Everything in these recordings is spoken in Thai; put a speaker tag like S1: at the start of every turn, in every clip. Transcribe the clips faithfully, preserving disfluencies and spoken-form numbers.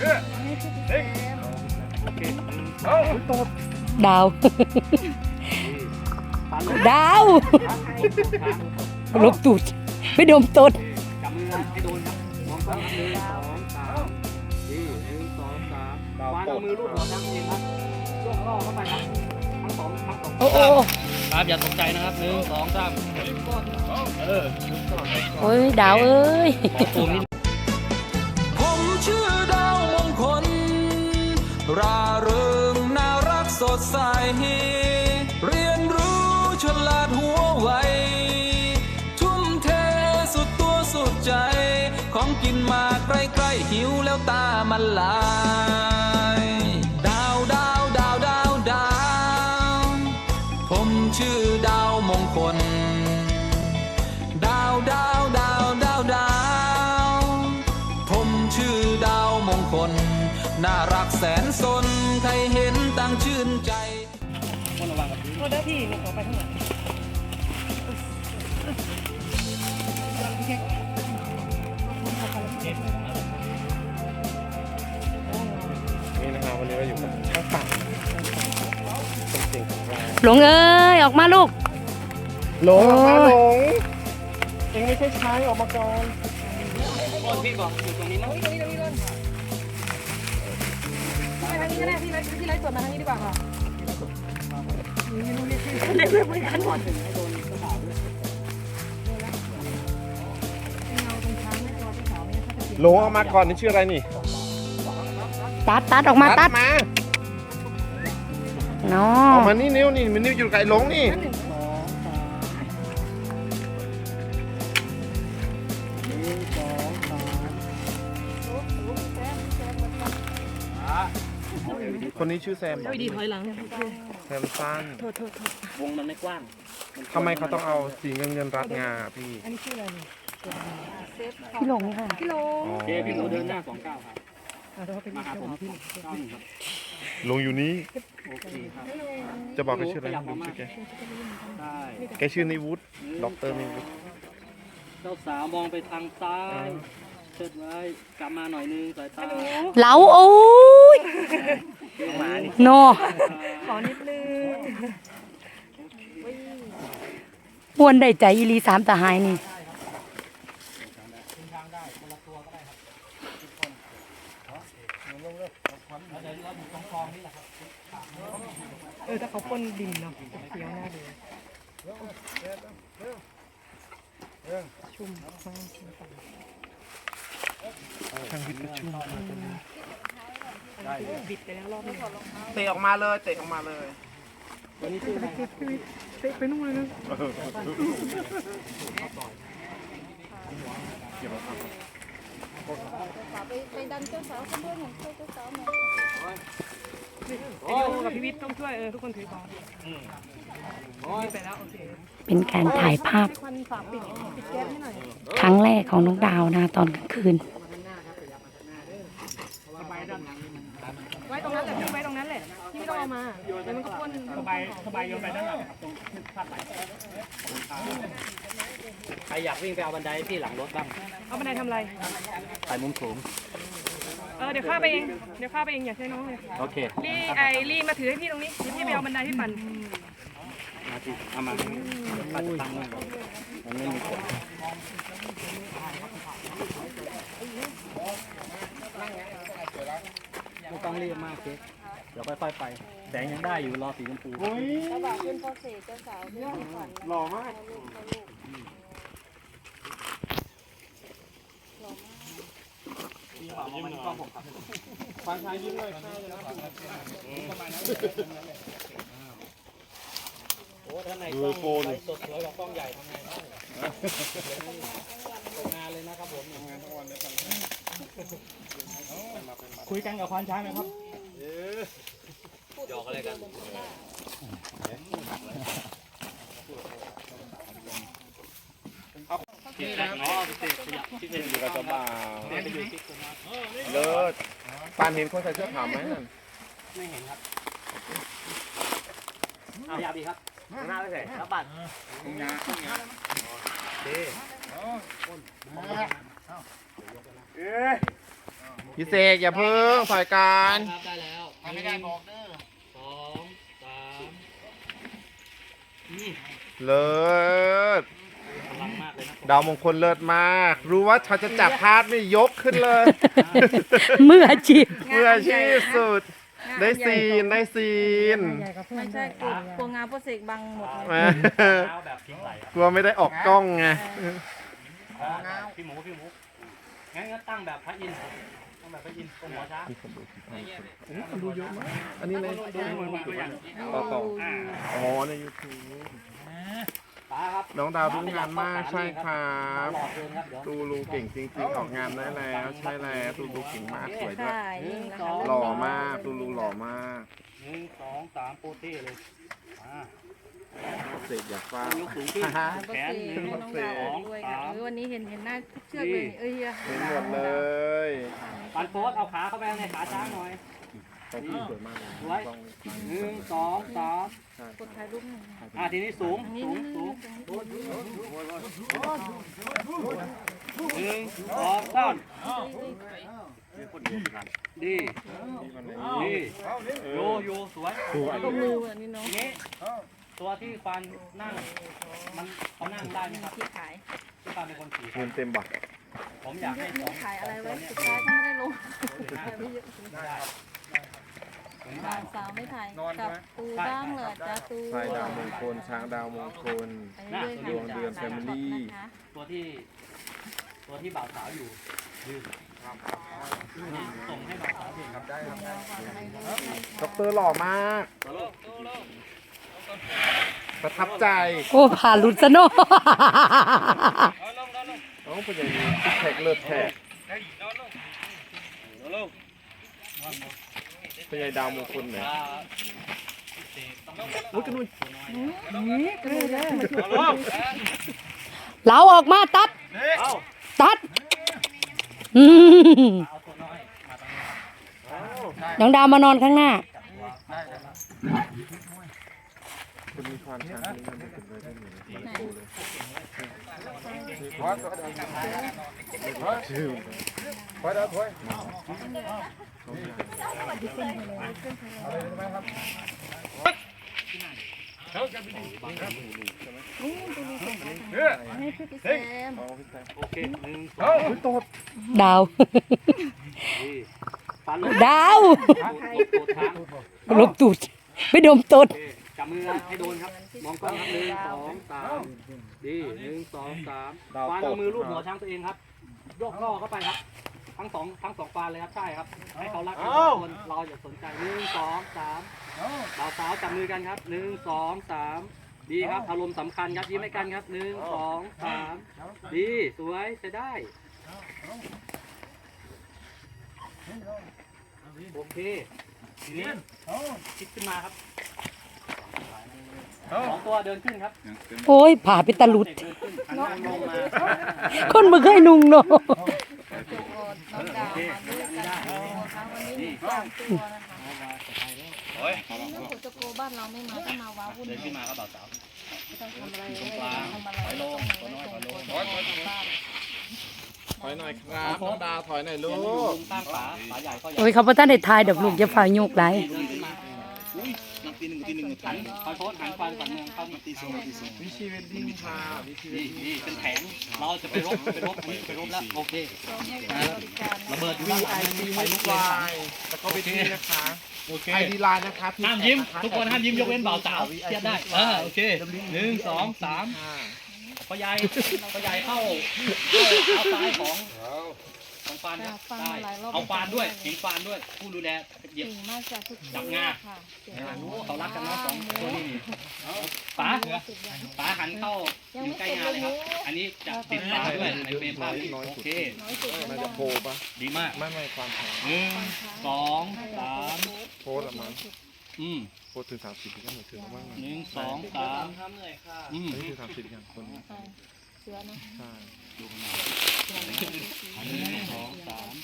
S1: ดาวดาวลบตูดไม่ดมต้น
S2: จับมือให้โดนครับมองซ้ายหนึ่งสองสามดีหนึ่งสองสามวางเอามือลูบหัวทั้งเองครับยกล่อเข้าไปครับทั้งสองทั้งสองโอ้โหครับอย่าตกใจนะครับหนึ่งสองสามเออ
S1: โอ้ยดาวเอ้ย
S3: ผมชื่อดาวมงคลร่าเริงน่ารักสดใสเรียนรู้ฉลาดหัวไวทุ่มเทสุดตัวสุดใจของกินมาใกล้ๆหิวแล้วตามันลายดาวดาวดาวดาวดาวผมชื่อดาวมงคลดาวดาวดาวดาวดาวผมชื่อดาวมงคลน่ารักแสนสนใครเห็นต่างชื่นใจ
S2: คนระวังกับพื้นโทษนะพี่นี่ขอไปข้างหลัง
S4: นี่นะครับวันนี้เราอยู่กับช่างปั่นเป็นสิ่งของเรา
S1: หลงเอ้ยออกมาลูก
S4: หลงออกมาหลงเองไม่ใช่ช้างออกมาก่อน
S2: โอ้พี่บอกอยู่ตรงนี้นะตรงนี้ตรงนี้ก่อนไปทางนี้ก็ได้พี่ไลฟ์พี่ไลฟ์สดมาทางนี้ดีกว่าค่ะเล่นไม่กันหมดให้โดนกระเป๋าด้วย
S4: หลงออกมาก่อนนี่ชื่ออะไรนี่
S1: ตัดตัดออกมาตัด
S4: มา
S1: เนาะ
S4: ออกมานี่นิ้วนี่มันนิ้วอยู่ไกลหลงนี่คนนี้ชื่อแซม
S2: ดีถอยหลัง
S4: แซมสั้น
S2: วงมันไม่กว้าง
S4: ทำไมเขาต้องเอาสีเงินเงินรัดงาพี่
S2: อันนี้ชื่ออะไร
S1: พี่หลงค่ะ
S2: พี่หลงเจ๊พี่หลงเดินหน้าสองเก้าครับมาหาผมพี่หลงครับ
S4: ลงอยู่นี้
S2: โอเคครับ
S4: จะบอกแกชื่ออะไรดูชื่อแกแกชื่อนิวุฒิด็อกเตอร์นิวุฒิ
S2: เจ้าสาวมองไปทางซ้ายเชิดไว้กลับมาหน่อยนึงสายตา
S1: เหลาโอ้ยโน
S2: ขอนิดนึง
S1: บวนได้ใจอีลีสามตาหายนี่
S2: เออถ้าเขาพ่นดินเนาะเขียวหน้าดูชุ่ม
S4: ช่างวิทย์ก็ชุ่ม
S2: บิดไปแล้วรอบนึง
S4: เตะออกมาเลยเตะออกมาเลย
S2: วันนี้ชื่ออะไรเตะไปนู่นเลยนะ
S5: ไปดันเจ้าสาวข้างบนของเจ้าสาวมา
S2: ไอโยกับพี่วิทย์ต้องช่วยเออทุกคนถือของไปแล้วโอเค
S1: เป็นการถ่ายภาพครั้งแรกของน้องดาวนะตอนกลางคืน
S2: ไว้ตรงนั้นแหละพี่ไว้ตรงนั้นแหละพี่ไม่ต้องเอามาแล้วมันก็พ่นสบายสบายโยนไปด้านหลังครับตรงพาดไหลใครอยากวิ่งไปเอาบันไดพี่หลังรถบ้างเอาบันไดทำอะไรถ่ายมุมสูงเออเดี๋ยวข้าไปเองเดี๋ยวข้าไปเองอย่าใช้น้องเลยโอเครีไอรีมาถือให้พี่ตรงนี้เดี๋ยวพี่ไปเอาบันไดพี่ปั่นมาที่เอามาปัดตังค์มันไม่มีกฎไม่ต้องรีบมากเจ๊เดี๋ยวค่อยๆไปแสงยังได้อยู่รอสีชมพู
S5: เจ้าบ่าวเป็นพ่อเสกเจ้าสาวเป็นขวัญ
S4: หล่อมาก
S2: ยิ้มหน่อยฟังชายยิ้มเลยโอ้ท่านไหนกล้องสดสวยกับกล้องใหญ่ทำไงได้งานเลยนะครับผมงานทั้งวันเลยคุยกันกับควานช้างไหมครับหยอกอะไรกันคิดนะอ๋อคิดคิดเป็นอยู่กับเจ้าบ่าว
S4: เลิศปานเห็นคนใส่เสื้อขาวไหมนั่น
S2: ไม่เห็นครับเอายาบีครับหน้าไปใส่แล้วบัตรงาเด้เอ๊ะ
S4: พี่เสกอย่าเพิ่งถอยการ
S6: ครับได้แล้วไม่ได้บอกเด้อสองสามนี่
S4: เลิศ
S6: พลังมากเลยนะ
S4: ดาวมงคลเลิศมาก รู้ว่าเขาจะจับพาดไม่ยกขึ้นเลย
S1: มืออาชีพ
S4: เมื่ออาชีพสุด ได้ซีนได้ซีน
S5: ไม่ใช่กลัวกลัวงานโปรเซกบังหมดเลย
S4: แหม่
S6: เท้าแบบทิ้งไหลครับ
S4: กลัวไม่ได้ออกกล้องไง
S6: อ๋อพี่หมูพี่หมูงั้นก็ตั้งแบบพระอินทร์ตั้งแบบพระอินทร์ตรงหัวช้าง
S4: ดูเยอะมากอันนี้ใน
S6: ดูเหมือนมาตัวอย่าง
S4: ต่อต่อ
S6: อ่า
S4: อ๋อในยูทูบ
S6: ตาครับ
S4: น้องดาวรู้งานมากใช่ครับ
S6: หลอดเกินครับเดี๋ยว
S4: ตูลูเก่งจริงๆออกงานได้แล้ว ใช่แล้วตูลูเก่งมากสวยด้วย
S5: ใช่ยิ่งนะคะ
S4: หล่อมากตูลูหล่อมาก
S6: หนึ่งสองสามโปเต้เลยมา
S4: เสกอยากฟัง
S6: ยกสูงขึ้น
S5: งานโปรเซกให้น้องดาวออกด้วยค่ะเออวันนี้เห็นเห็นหน้าทุกเชือกเลยเอ้ย
S4: เห็นหมดเลย
S6: ปันโพสเอาขาเข้าไปในขาช้างหน่อย
S4: ตรงที่สวยมากเลย
S6: ไว้หนึ่งสองสาม
S5: กดถ่ายรูปหน่อย
S6: อ่าทีนี้สูง
S5: นี่
S6: สูง
S5: นี่
S6: สูง
S5: นี่
S6: หนึ่งสองสามดีดีโยโยสวย
S5: ตบมืออ่ะนี่น้อง
S6: ทีนี้ตัวที่ฟันนั่งมันเขานั่งได้ไหมครับ
S5: ที่ขาย
S6: ที่ฟันเป็นคนขี่
S4: เงินเต็มบัตร
S6: ผมอยากให้ส
S5: ไม่
S6: อง
S5: ขายอะไรไว้สุดท้ายก็ไม่ได้ลงขายไม่เยอะบ่าวสาวไม่ถ่ายกับตูบ้างเหรอจ้าตู
S4: ชายดาวมงคลช้างดาวมงคล ดวงเดือน Family
S6: ตัวที่ตัวที่บ่าวสาวอยู่ยืนส่งให้บ่าวสาวเห็นครับได้ครับ
S4: ด็อกเตอร์หล่อมาก ประทับใจ
S1: โอ้ผ่านหลุดซะเนอะ
S4: น้องเป็นอย่างนี้ซิกแพคเลิศแท้เป็นไงดาวมงคลเนี่ยโอ้ยกระนุ่น
S1: เหลาออกมาตัด ตัดอืมน้องดาวมานอนข้างหน้า
S4: จะมีความช้างนี้มันเป็นไปได้เหมือนที่โตเลยชื่อถอยแล้วถอย
S5: ให้พี่แซม
S6: โอเคหนึ่งส
S4: เฮ้
S6: อง
S4: ยโตด
S1: ดาว
S6: ดีฟันลง
S1: ดาว
S6: ตูดช้าง
S1: ลบตูดไม่ดมตด
S6: โอเคจับมือให้โดนครับ มองกล้องครับหนึ่งสองสามดีหนึ่งสองสามฟันเอามือลูบหัวช้างตัวเองครับ โยกล่อเข้าไปครับ ทั้งสองทั้งสองฟานเลยครับ ใช่ครับ ให้เขารักกันสองคนเราอย่าสนใจหนึ่งสองสามบ่าวสาวจับมือกันครับหนึ่งสองสามดีครับ อารมณ์สำคัญครับยิ้มให้กันครับหนึ่งสองสามดีสวยใช้ได้ โอเค ทีนี้คิดขึ้นมาครับสองตัวเดินขึ้นครับ
S1: โอ้ยผ่าไปตะหลุด
S6: เดินขึ้นหันหน้าลงมา
S1: คนบ่เคยนุ่งเนาะ
S5: น้องดาวมาด้วยกันนะคะวันนี้มีสามตัวนะคะนี่ถ้าฝนจะโกบ้านเราไม่มาถ้ามาว้าวุ่น
S6: เดินขึ้นมาครับบ่าวสาว
S5: ไม่ต้องทำอะไรเลยทำอะไรไม่ต้องไม่ต้องบ้าน
S4: ถอยหน่อยครับน้องดาวถอยหน่อยลู
S6: อย่ามาอยู่
S4: ก
S6: มุมข้างฝาฝาใหญ่ก็ใหญ่
S1: โอ้ยเขาบ่ทันได้ทายดอกลูกจะฝ่าโยกไหล
S6: เดินขึ้นมาหันคอยโพสหันฟันฝันเมืองเข้านี่ตีสูงตีสูง
S4: วิชีเวดดิ้งค่ะวิชีเว
S6: นี่
S4: ดดิ้ง
S6: นี่เป็นแผงเราจะไปรบไปรบนี่ไปรบแล้วโอเค
S5: ให้บริการนะ
S6: ระเบิดอยู่
S4: วี
S6: ด้านห
S4: ไอ
S6: ลัง
S4: พี
S6: ไฟ
S4: มุ
S6: ลุ
S4: ก
S6: กเล
S4: ไล
S6: ย
S4: น์แล้วก็ไปที่นะคะ
S6: โอเค
S4: ไอดีไลน์นะคะ
S6: ห้ามยิ้มทุกคนห้ามยิ้มยกเว้นบ่าวสาวเทียบได้เออโอเคหนึ่งสองสาม
S4: ค่ะ
S6: พ่อใหญ่พ่อใหญ่เข้าเอาซ้ายของของฟานครับได้เอาฟานด้วยเห็นฟานด้วยผู้ดูแลเหยียบ
S5: เก่งมากจากทุกคนค่ะเก่ง
S6: โอ้เขารักกันเนาะสองตัวนี้นี่ป๋าป๋าหันเข้าอยู่ใกล้งานเลยครับ อันนี้จะติดฝาด้วยในเฟรมภาพโอเค
S5: น้อยสุด
S4: น่าจะโพลปะ
S6: ดีมาก
S4: ไม่ไม่ความแพง
S6: หนึ่งสองสาม
S4: โพลละมั้ง
S6: อืม
S4: โพลถึงสามสิบที่ก็หนูถึงแล้วมั้ง
S6: หนึ่งสองสามอืม
S4: อันนี้ถึงสามสิบอย่างคน
S5: เสือนะ
S4: ใช่
S6: หนึ่งสองสาม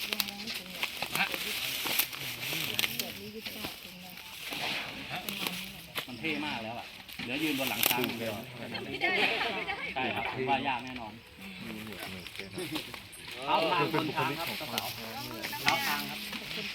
S6: มันเท่มากแล้วอ่ะเหลือยืนบนหลังช้างอย่างเดียวใช่ครับว่ายากแน่นอน
S4: มีหนวดหนวดเกิน
S6: เท้าทางบนช้างครับกระเสาเท้าทาง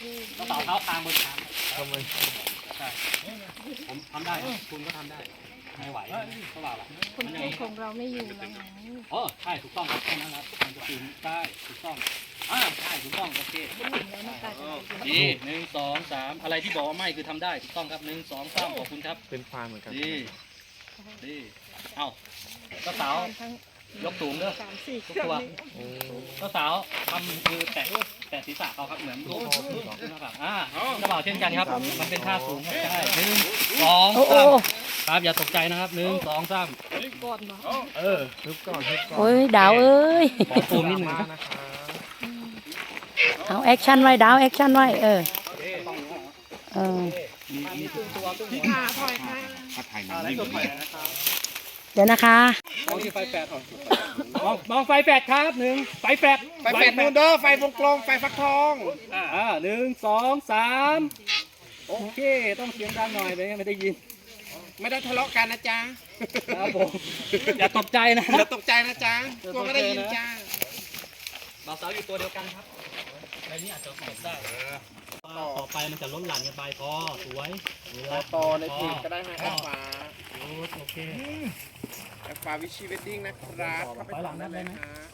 S6: ก็ต่อเท้าคางบนคาง
S4: ทำไม
S6: ใช่ผมทำได้คุณก็ทำได้ไม่ไหวก็ว่าละ
S5: คนครูของเราไม่อยู่แล้วไง
S6: อ๋อใช่ถูกต้องครับแค่นั้นครับมันจะปีนได้ถูกต้องอ่าใช่ถูกต้องโอเคดีหนึ่งสองสามอะไรที่บอกว่าไม่คือทำได้ถูกต้องครับหนึ่งสองสามขอบคุณครับ
S4: เป็นควายเหมือนกัน
S6: ดีดีเอ้าเจ้าสาวยกสูงเด้อ
S2: สามสี่
S6: ทุกตัวเจ้าสาวทำมือแตะแตะศีรษะเขาครับเหมือนลูกนะครับอ่าเจ้าบ่าวเช่นกันครับมันเป็นท่าสูงครับใช่หนึ่งสอง
S1: โอ้โอ้
S6: สามครับอย่าตกใจนะครับหนึ่งสองสาม
S2: ก่อนมา
S6: เออ
S4: ฮึบก่อนฮึบก่อน
S1: โอ้ยดาวเอ้ย
S6: ขอซูมนิดหนึ่ง
S4: มา
S6: ครับ
S4: นะคะ
S1: เอาแอคชั่นไว้ดาวแอคชั่นไว้เออเออ
S2: อ่าถอยค่ะ
S6: อะไรตัวใหม่นะครับ
S1: เดี๋ยวนะคะ
S6: มองที่ไฟแปดก่อนมองมองไฟแปดครับหนึ่งไฟแปด
S4: ไฟแปดนูนเด้อไฟวงกลมไฟฟักทอง
S6: อ่าหนึ่งสองสามโอเคต้องเสียงดังหน่อยไม่งั้นไม่ได้ยิน
S4: ไม่ได้ทะเลาะกันนะจ๊ะ
S6: ครับผมอย่าตกใจนะ
S4: อย่าตกใจนะจ๊ะกลัวไม่ได้ยินจ้า
S6: บ่าวสาวอยู่ตัวเดียวกันครับในนี้อาจจะตกได้ต่อไปมันจะล้นหลั่นกันไปพอสวยเวลา
S4: ต่อในเพจก็ได้ฮะแอปฟ้า
S6: โอเค
S4: แอปฟ้าวิชีเวดดิ้งนะครับเข้าไปฟังได้เลยนะฮะ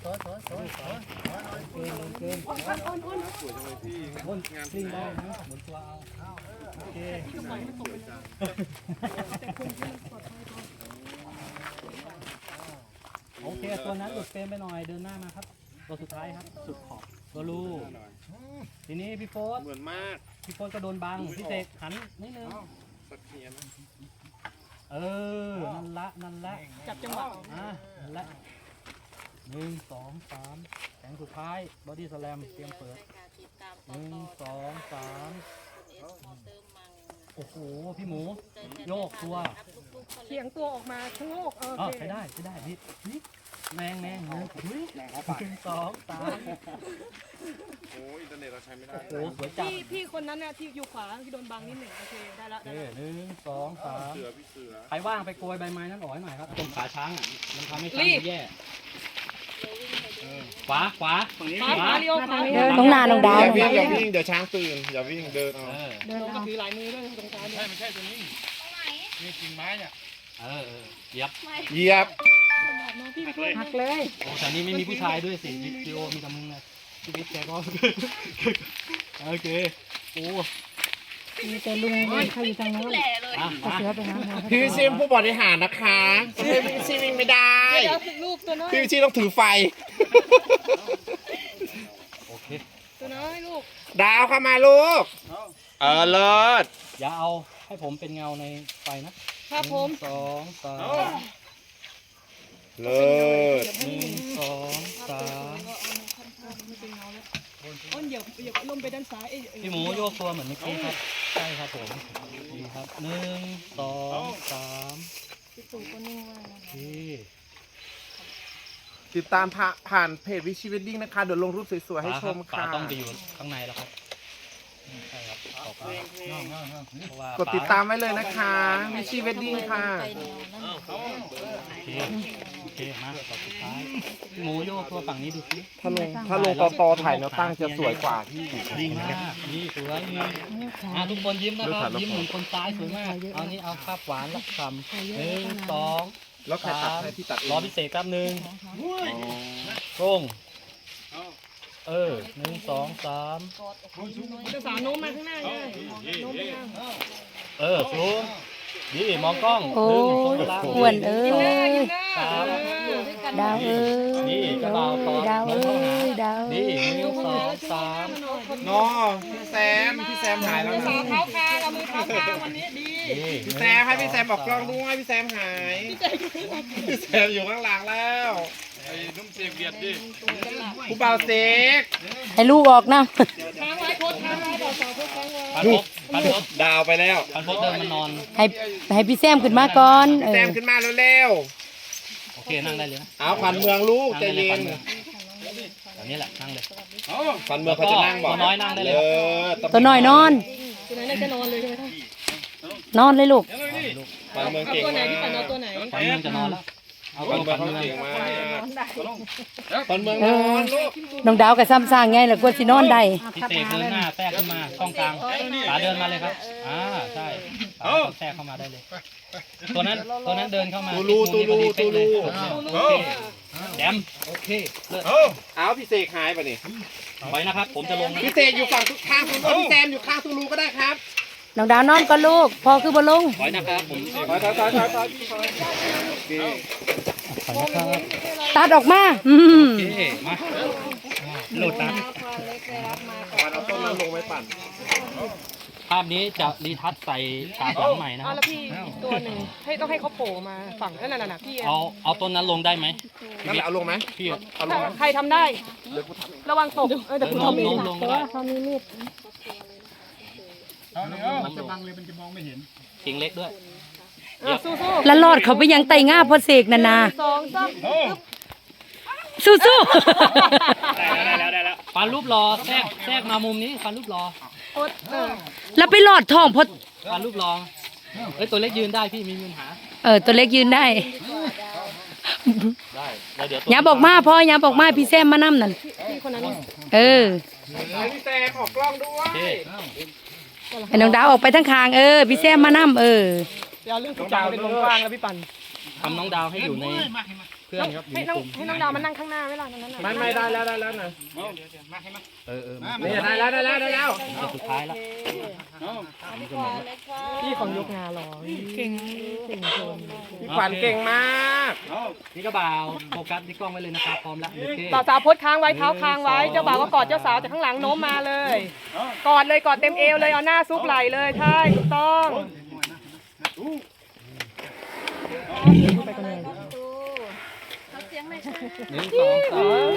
S6: เกินเกิน
S4: สวยจังเลยพี่
S6: บนงานซิ่งได้นะหมุนตัวเอาโอเคโอเคตัวนั้นหลุดเฟรมไปหน่อยเดินหน้ามาครับตัวสุดท้ายครับสุดขอบตัวลูทีนี้พี่โฟส
S4: เหมือนมาก
S6: พี่โฟสก็โดนบังพี่เสกหันนิดนึง
S4: สักเทียนนะ
S6: เออนั่นละนั่นละ
S2: จับจังหวะ
S6: อ่ะนั่นละหนึ่งสองสามแข็งสุดท้ายบอดี้สแลมเตรียมเปิดหนึ่งสองสามโอ้โหพี่หมูโยกตัว
S2: เขียงตัวออกมาชะโงกเออ
S6: อ๋อ
S2: โอเค
S6: ใช้ได้ใช้ได้นี่นี่แมงแมงหนึ่งหนึ่งสองสาม
S4: โอ้อินเทอร์เน็ตเราใช้ไม่ได้
S6: โอ้โหสวยจัด
S2: พี่พี่คนนั้นน่ะที่อยู่ขวาที่โดนบังนิดหนึ่งโอเคได้ละ
S6: โอ
S2: ได้
S6: เค
S2: ละ
S6: หนึ่งสองสาม
S4: เสือพี่เสือ
S6: ใครว่างไปโกยใบไม้นั่นออกให้หน่อยครับตรงขาช้างอ่ะมันทำให้ช้างมันแย่เออขวาขวาฝั่งนี้
S2: ขวา
S6: ข
S2: ข
S6: วา
S2: วาเลี้ยวขวา
S1: เดินตรงหน้าน้องดาว
S4: อย่าวิ่งอย่าวิ่งเดี๋ยวช้างตื่นอย่าวิ่งเดินเอา
S6: เออ
S1: เดิน
S2: ลงก็
S1: เอา
S2: ถือหลายมือด้วยตรงกลางเนี่ย
S4: นี่กิ่งไม้เนี่ย
S6: เออเออเหยียบ
S4: เหยียบ
S2: น้องพี่ช่วย
S1: หักเลย
S6: โอ้แต่นี่ไม่มีผู้ชายด้วยสิวิดีโอมีแต่มึงนะชีวิตแกก็โอเคโอ้
S1: มีแต่ลุงเขาอยู่ทางโน้น
S6: อ่ะ
S1: เขา
S6: มา
S1: เสือไปหาหมอ
S4: พี่วิชิมผู้บริหารนะคะพี่วิชิวิ่งไม่ได้
S2: เดี๋ยวรูปตัวน้อย
S4: พี่วิชิต้องถือไฟ
S6: โอเค
S2: ตัวน้อยลูก
S4: ดาวเข้ามาลูก เออเลิศ
S6: อย่าเอาให้ผมเป็นเงาในไฟนะครับ
S2: ผม
S6: หนึ่งสองสาม
S4: เลิศ
S6: หนึ่งสองสาม
S2: อ้นเหยียบเหยียบลมไปด้านซ้ายเอ้ยเอ้ย
S6: พี่หมูโยกตัวเหมือนเมื่อกี้ครับใช่ครับผมดีครับหนึ่งสองสาม
S5: พี่ตู่ก็นิ่งมากนะ
S6: โอเค
S4: ติดตามผ่าผ่านเพจวิชีเวดดิ้งนะคะเดี๋ยวลงรูปสวยๆให้ชม
S6: ฝา
S4: ค่ะ
S6: ต้องไปอยู่ข้างในแล้วครับใช่ครับต่อไปเพราะว่าก
S4: ดติดตามไว้เลยนะคะวิชีเวดดิ้งค่ะ
S5: ไปแนวนั้น
S6: โอเคโอเคมาต่อสุดท้ายพี่หมูโยกตัวฝั่งนี้ดูสิ
S4: ถ้าลงถ้าลงต่อต่อถ่ายแนวตั้งจะสวยกว่าที่
S6: ดีมากนี่สวยนี่อ่ะทุกคนยิ้มนะครับยิ้มเหมือนคนซ้ายสวยมากเอานี่เอาภาพหวานรักคำหนึ่งสอง
S4: แล้วใครตัดให้ที่ตัด
S6: รอพิเศษแป๊บหนึ่งตรงเออหนึ่งสองสาม
S2: จะสาวโน้มมาข้างหน้าเลยโน้มไปข้าง
S6: เออสูงนี่มองกล้อง
S1: โอ้
S6: หนึ่งสองสาม
S1: อ้วนเอ้
S2: ยิ้มหน้าย ยิ้มหน้า
S6: สาม
S1: ดาวเอ้ย
S6: นี่กระเป๋าต่อ
S1: ดาว
S6: น้อ
S1: เอ้
S6: งเข้าหาย
S1: ดาวเอ้
S6: นี่
S1: ย
S6: หนึ่งสองสาม
S4: นอพี่แซมพี่แซมหายแล้ว
S2: สา
S4: นะ
S2: วเท้าคางเอามือเท้าคางวันนี้ดี
S6: นี่
S4: พี่แซมให้พี่แซมบอกกล้องด้วยพี่แซมหายพี่แซมอยู่ข้างหลังแล้วไอ้นุ่มเสียเบียดดิผู้เบาเซ็ก
S1: ให้ลูกออกนะ
S2: ค้างไว้โคตรค้างไว้ต่อสาวโคตรค้างไว้
S6: พันพบพันพบ
S4: ดาวไปแล้ว
S6: พันพบเดินมานอน
S1: ให้ให้พี่แซมขึ้นมาก่อนเอ
S4: พี่แซ
S1: อ
S4: มขึ้นมาเร็ว
S6: โอเคนั่งได้เลยนะ
S4: ๆเอาขวัญเมืองลูกใจเย็น
S6: แบบนี้แหละนั่งเลย
S4: ขวัญเมืองเขาจะนั่งบอก
S6: ตัวน้อยนั่งได้เลย
S4: เออ
S1: ตัวน้อยนอน
S2: ตัวไหนน่าจะนอนเลยใช่ไหมคะ
S1: นอนเลยลูก
S4: ขวัญเมือง
S2: เอา
S4: เก่ง
S2: ตัวไหน
S4: มาก
S2: พี่ปั่นเอาตัวไหน
S6: ตอนนี้มันจะนอนแล้วเอา
S4: ปั
S6: ก่อน น
S4: เมือง
S6: ก่อน
S4: เขา
S6: เมือง
S4: เก่งมากปันเมืองนอนลูก
S1: น้องดาวกับซ้ำสร้างไงล่ะกว่าสินอนได้
S6: พี่เสกเดินหน้าแทรกเข้ามาช่องกลางขาเดินมาเลยครับอ่าใช่ขาแทรกเข้ามาได้เลย ตัวนั้นตัวนั้นเดินเข้ามา
S4: ตูลูตูลูตูลู
S6: โอเคแดมโอเคเลิศ
S4: เอาพี่เสกหายไปนี่
S6: ไว้นะครับ ผมจะลงนะ
S4: พี่เสกอยู่ฝั่งข้างตูลูพี่แซมอยู่ข้างตูลูก็ได้ครับ
S1: น้องดาวนอนก็ลูกพอคือบ่ลง
S6: ไว้นะครับผม
S4: ถอยถอยถอยถอยถอยโอเค
S1: ตัดออกมาอืม
S6: โอเคมาโหลดนะ
S4: ปันเอาต้นนั้นลงไว้ปั่น
S6: ภาพนี้จะรีทัชใส่ฉากหลังใหม่นะค
S2: เอา
S6: รับ
S2: แล้วพี่อีกตัวหนึ่งให้ต้องให้เขาโผล่มาฝั่งนั่นน่ะน่ะพี่
S6: เอาเอาต้นนั้นลงได้ไหม
S4: นั่นแหละเอาลงไหม
S6: พี่
S4: เอาลงไหม
S2: ใครทำได้ ระวังตกเออแต่คุณ
S6: ลง
S2: ทำเอ
S6: ล
S2: ง
S6: งลงได้
S7: มันจะบังเลยมันจะมองไม่เห็น
S6: กิ่งเล็กด้วย
S2: เออสู้สู้
S1: แล้วรอดเขาไปยังไตง่าพอเสกนานา
S2: สองสาม
S1: สู้สู้
S6: ฟันรูปรอแทรกแทรกมามุมนี้ฟันรูปรอ
S2: อดเออ
S1: แล้วไปหลอดท้องพอ
S6: ฟันรูปรอเอ้ยตัวเล็กยืนได้พี่มีปัญหา
S1: เออตัวเล็กยืนได้
S6: ได้แล้วเดี๋ยว
S1: อย่าบอกมาพ่ออย่าบอกมาพี่แซมมานั่นั่น
S2: พี่คนนั้น
S1: เออ
S4: พี่แซมออกกล้องด้ว
S6: โอย เค
S1: ให้น้องดาวออกไปทั้งคางเออพี่แซมมานั่เออ
S2: เดี๋ยวเรื่องทุกอย่างเป็นวงกว้างแล้วพี่ปัน
S6: ทำน้องดาวให้อยู่ในเพื่อนครับอยู่
S2: ให้
S6: ใน
S2: น้อง
S6: กลุ่ม
S2: ให้น้องดาวมานั่งข้างหน้าเวลานั้นน่ะ
S4: ไม่ไม่ได้แล้วได้แล้วนะ
S6: เออเออ
S4: นี่ได้แล้วได้แล้วได้แล้ว
S6: ตัวสุดท้ายแล้ว
S2: พี่ของยกงาหรอเก่งเก่งเกิน
S4: พี่ขวัญเก่งมาก
S6: นี่ก็บ่าวโฟกัสที่กล้องไว้เลยนะครับพร้อมแล้วโอเค
S2: บ่าวสาวพดค้างไว้เท้าค้างไว้เจ้าบ่าวก็กอดเจ้าสาวจากข้างหลังโน้มมาเลยกอดเลยกอดเต็มเอวเลยเอาหน้าซุกไหลเลยใช่ถูกต้องไปกันเลย
S6: หนึ่งสองสาม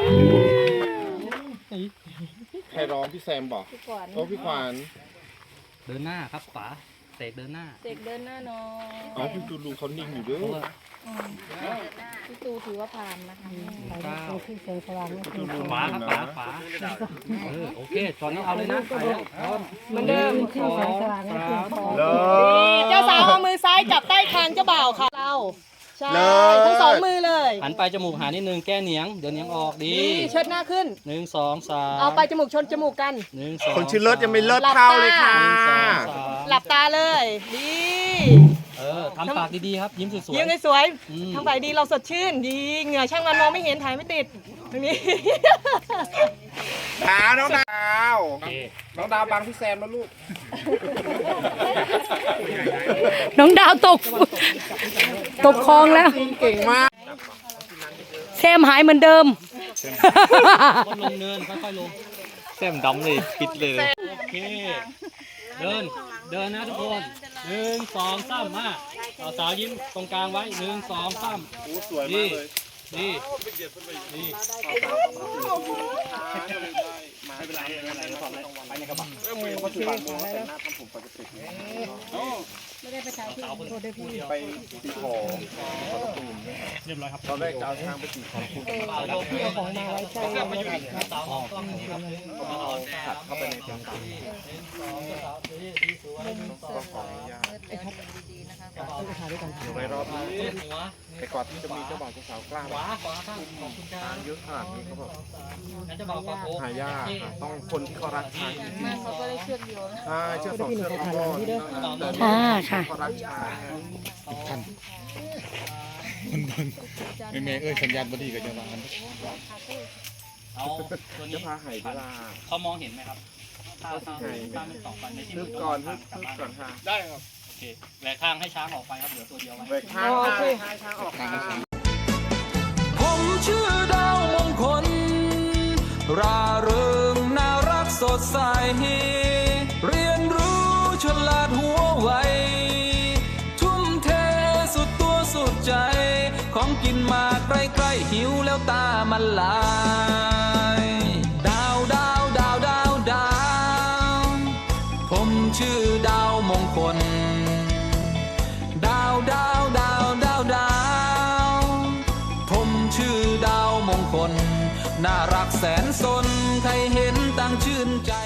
S4: ใครร้องพี่แซมบอกโอ้พี่ขวัญ
S6: เดินหน้าครับขวาเสกเดินหน้า
S5: เด็กเดินหน้าน้อย
S4: อ๋อพี่ตูลูเขานิ่งอยู่ด้ว
S6: เพราะ
S4: ย
S6: ว่า
S5: พี่ตูถือว่าผ่านนะคะ
S6: เก้า
S4: ตูลู
S6: ขวาครับขวาขวาเออโอเคตอนนี้เอาเลยนะไปแล้วพร้อม
S2: เหมือนเดิม
S6: สองสาม
S4: เลิ
S2: เจ้าสาวเอามือซ้ายจับใต้คางเจ้าบ่าวค่ะเราใช่ทั้งสองมือเลย
S6: หันไปจมูกหานิดนึงแก้เหนียงเดี๋ยวเหนียงออกดี
S2: นี่เชิดหน้าขึ้น
S6: หนึ่งสองสาม
S2: เอาไปจมูกชนจมูกกัน
S6: หนึ่งสอง
S4: คนชื่อเลิศยังไม่เลิศเท่าเลยค่ะ
S6: หนึ่งสองสาม
S2: หลับตาเลยดี
S6: เออทำปากดีๆครับยิ้มสวยๆ
S2: ยิ้มสวย
S6: อืม
S2: ๆทำไปดีเราสดชื่นดีเหงื่อช่างมันมองไม่เห็นถ่ายไม่ติดตรงนี้
S4: ดาวน้องดาว
S6: โอเค
S4: น้องดาวบังพี่แซมแล้วลูก
S1: น้องดาวตก ตกคลองแล้ว
S4: เก่งมาก
S1: แซมหายเหมือนเดิม
S6: ลดลงเนินค่อยๆลง
S4: แซมดำเลยปิดเลย
S6: โอเค เดิน เดินนะทุกคนหนึ่งสองสามมาเอาสาวยิ้มตรงกลางไว้หนึ่งสองสาม
S4: โอ้สวยมากเลย
S6: นี่นี่
S4: ไม่เป็นไรไม่เป็นไรเราทำอะไรไปในกระบะเออมือเขาถือปากมือเขาแต่งหน้าทำผมปกติไม่ได้ไปใช้ที่ไปตีของ
S6: เรียบร้อยครับ
S4: ตอนแรกจะเอาช้างไปตีของคุณ
S2: ของมาไว้ใจ
S6: สาวมาอยู่สาวออกต้องนี่ครับ
S4: ขัดเข้าไปในตัว
S5: ก็ขออนุญาต
S4: อยู่ในรอบนี้
S6: หัว
S4: แต่ก่อนที่จะมีเจ้าบ่าวเจ้าสาวกล้า
S6: ขวาขวาข้างขอบคุณครับ
S4: เยอะขนาดนี้เขาบอก
S6: งั้นจะบอกปากโอ้
S4: หายากค่ะต้องคนที่เขารักช้างจริง
S5: มากเขาก็ได้เชือกเดียวนะ
S4: ๆใช่เชื่อสองเชื่อสองก้อน
S1: ค่ะค่ะ
S4: เขารักช้าง
S7: ไม่เมย์เอ้ยสัญญาณบดีกับจังหวะ
S6: เอาตัวนี้
S4: จะพาหายเวลา
S6: เขามองเห็นไหมครับถ้าถ้าถ้าเป็นสองฟันในที่
S4: ฮึบก่อนฮึบฮึบก่อนค่ะ
S7: ได้ครับ
S6: โอเคแหวกข้างให้ช้างออกไปครับเหลือตัวเดียวไว้
S4: เบรกข้างข้างข้างออกข้าง
S3: ผมชื่อดาวมงคล ร่าเริงน่ารักสดใส เรียนรู้ฉลาดหัวไว ทุ่มเทสุดตัวสุดใจ ของกินมาใกล้ๆหิวแล้วตามันลาย ดาวดาวดาวดาวดาวผมชื่อดาวมงคล ดาวดาวดาวดาวดาวผมชื่อดาวมงคล น่ารักแสนสน ใครเห็นต่างชื่นใจ